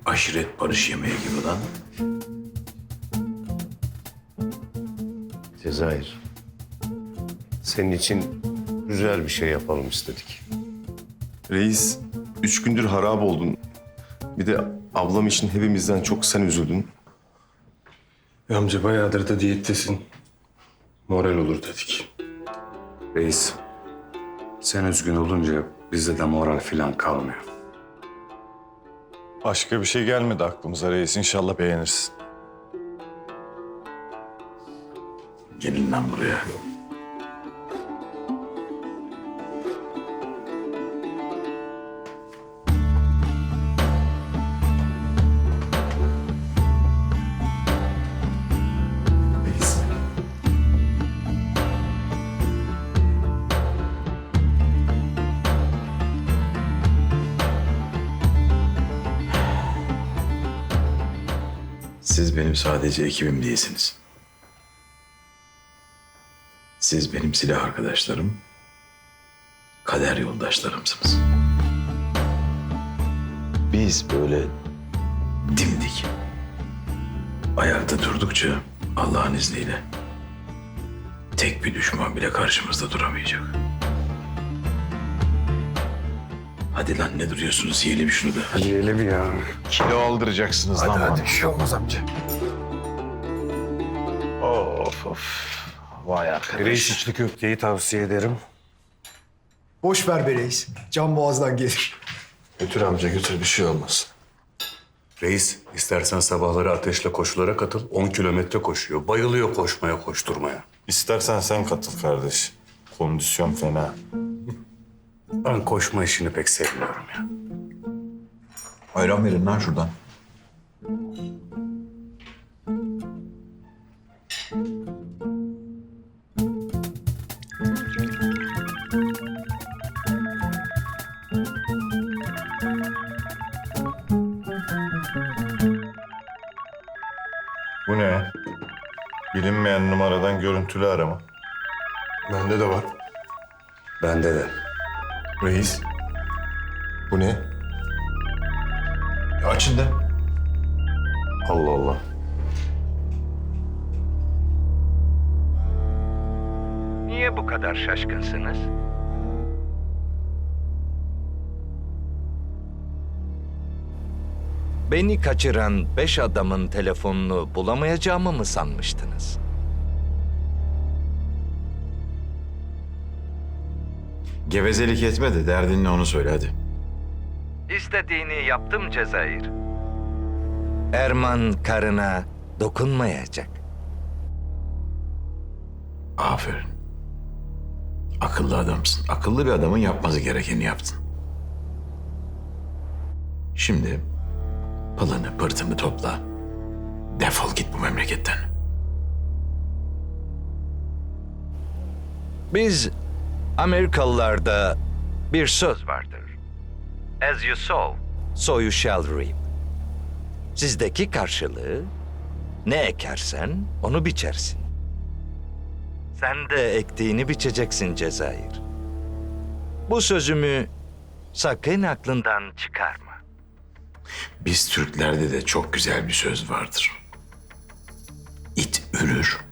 aşiret barış yemeği gibi lan. Cezayir. Senin için güzel bir şey yapalım istedik. Reis, 3 gündür harap oldun. Bir de ablam için hepimizden çok sen üzüldün. Amca bayağıdır da diyettesin. Moral olur dedik. Reis, sen üzgün olunca bizde de moral falan kalmıyor. Başka bir şey gelmedi aklımıza reis. İnşallah beğenirsin. Gelin lan buraya. Reis. Siz benim sadece ekibim değilsiniz. Siz benim silah arkadaşlarım, kader yoldaşlarımsınız. Biz böyle dimdik, ayakta durdukça Allah'ın izniyle tek bir düşman bile karşımızda duramayacak. Hadi lan ne duruyorsunuz? Yiyelim şunu da. Hadi. Yiyelim ya. Kilo aldıracaksınız lan bana. Bir şey olmaz amca. Of of. Vay arkadaş. Reis içli köfteyi tavsiye ederim. Boş ver be reis. Can boğazdan gelir. Götür amca götür bir şey olmaz. Reis, istersen sabahları Ateş'le koşulara katıl. 10 kilometre koşuyor. Bayılıyor koşmaya, koşturmaya. İstersen sen katıl kardeş. Kondisyon fena. Ben koşma işini pek sevmiyorum ya. Ayran verin lan şuradan. Bu ne? Bilinmeyen numaradan görüntülü arama. Bende de var. Bende de. Reis, bu ne? Açın da. Allah Allah. Niye bu kadar şaşkınsınız? Beni kaçıran 5 adamın telefonunu bulamayacağımı mı sanmıştınız? Gevezelik etme de derdin ne onu söyle hadi. İstediğini yaptım Cezayir. Erman karına dokunmayacak. Aferin. Akıllı adamsın. Akıllı bir adamın yapması gerekeni yaptın. Şimdi pılını pırtını topla. Defol git bu memleketten. Biz Amerikalılarda bir söz vardır. As you sow, so you shall reap. Sizdeki karşılığı ne ekersen onu biçersin. Sen de ektiğini biçeceksin Cezayir. Bu sözümü sakın aklından çıkarma. Biz Türklerde de çok güzel bir söz vardır. İt ürür,